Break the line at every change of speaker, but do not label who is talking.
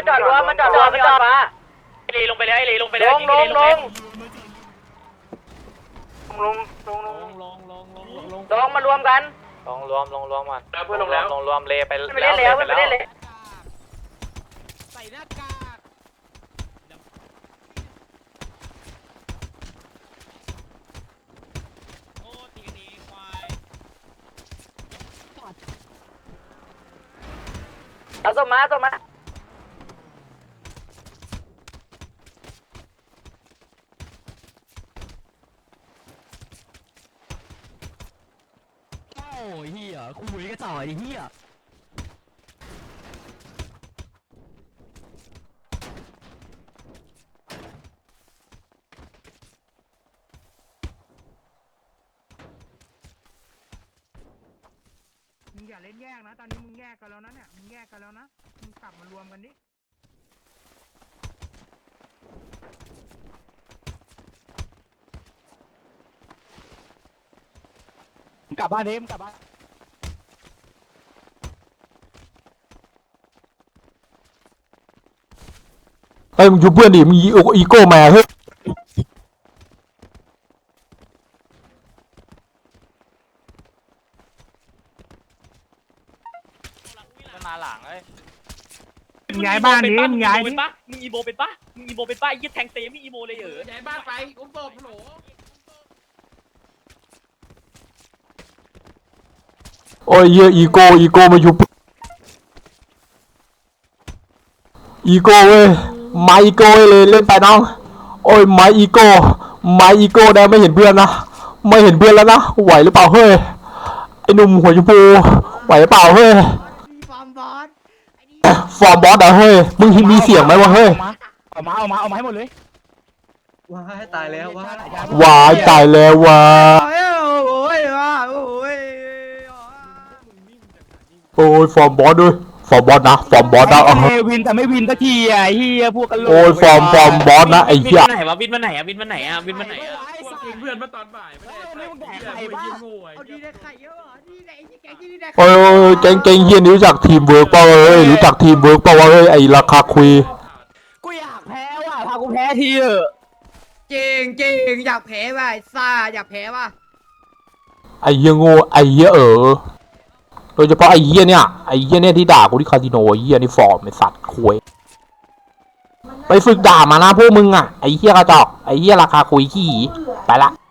จอดรวมมันจอดรวมมันจอดมาลีลงไปเลยลีลงไปเลยลงลงมารวมกันลงรวมมาเพื่อนลงแล้วรวมเลยไปเล่นแล้วไปเล่นเลย
ใส่หน้ากากโอ้ตีกันเองควาย
เอาส่งมา
โอ้ยเฮียคุยก็จ่อยดิเฮีย
มึงอย่าเล่นแยกนะตอนนี้มึงแยกกันแล้วนะเนี่ยมึงแยกกันแล้วนะมึงกลับมารวมกันดิ
กลับบ้านเด้มกลับบ้าน
เฮ้ยมึงอยู่เพื่อนดิมึงอีโก้มาเฮ้ย
มาหลังเลย
ย้ายบ้านนี้มึงย้ายดิ
มึงอีโมเป็นปะไอ้ยี่แทงเตะไม่อีโมเลย
ย้ายบ้านไปอุ้มศพโหล
โอ้ยเหี้ยอีโก้มาอยู่อีโก้เว้ยมาอีโก้เลยเล่นไปน้องโอ้ยมาอีโก้ได้ไม่เห็นเพื่อนนะไม่เห็นเพื่อนแล้วนะไหวหรือเปล่าเฮ้ยไอ้หนุ่มหัวชมพูไหวหรือเปล่าเฮ้ยฟอร์มบอสเหรอเฮ้ยมึงมีเสียงไหมวะเฮ้ย
เอามาให้หมดเลย
ว้ายตายแล้ววะ
โอ้ยว้า
โอ้ยฟอร์มบอสด้วยฟอร์มบอสนะ
วินแต่ไม่วินสักทีอ่ะเฮียพวกกันเลย
โอ้ยฟอร์มบอสนะไอ้เหี้ย
วินมาไหนวินมาไหน
พวกกินเพื่อนมาตอนบ่ายไม่ได้ใครบ้าเอาดีได้ไข่เยอะเหรอดีได้แกงที่ได้
โอ้ยเก่งเฮียนี่รู้จักทีมเวิร์กเปล่าเอ้ยรู้จักทีมเวิร์กเปล่าวะเอ้ยไอ้ราคาคุย
กูอยากแพ้ว่ะพากูแพ้ทีเถอะ
จริงอยากแพ้ว่ะซ่าอยากแพ้ว่ะ
ไอ้เหี้ยโง่ไอ้เหี้ยโดยเฉพาะไอ้เหี้ยเนี่ยที่ด่ากูที่คาสิโนไอ้เหี้ยนี่ฟอร์มไอ้สัตว์คุยไปฝึกด่ามานะพวกมึงอ่ะไอ้เหี้ยกระจอกไอ้เหี้ยราคาคุยขี้ไปละ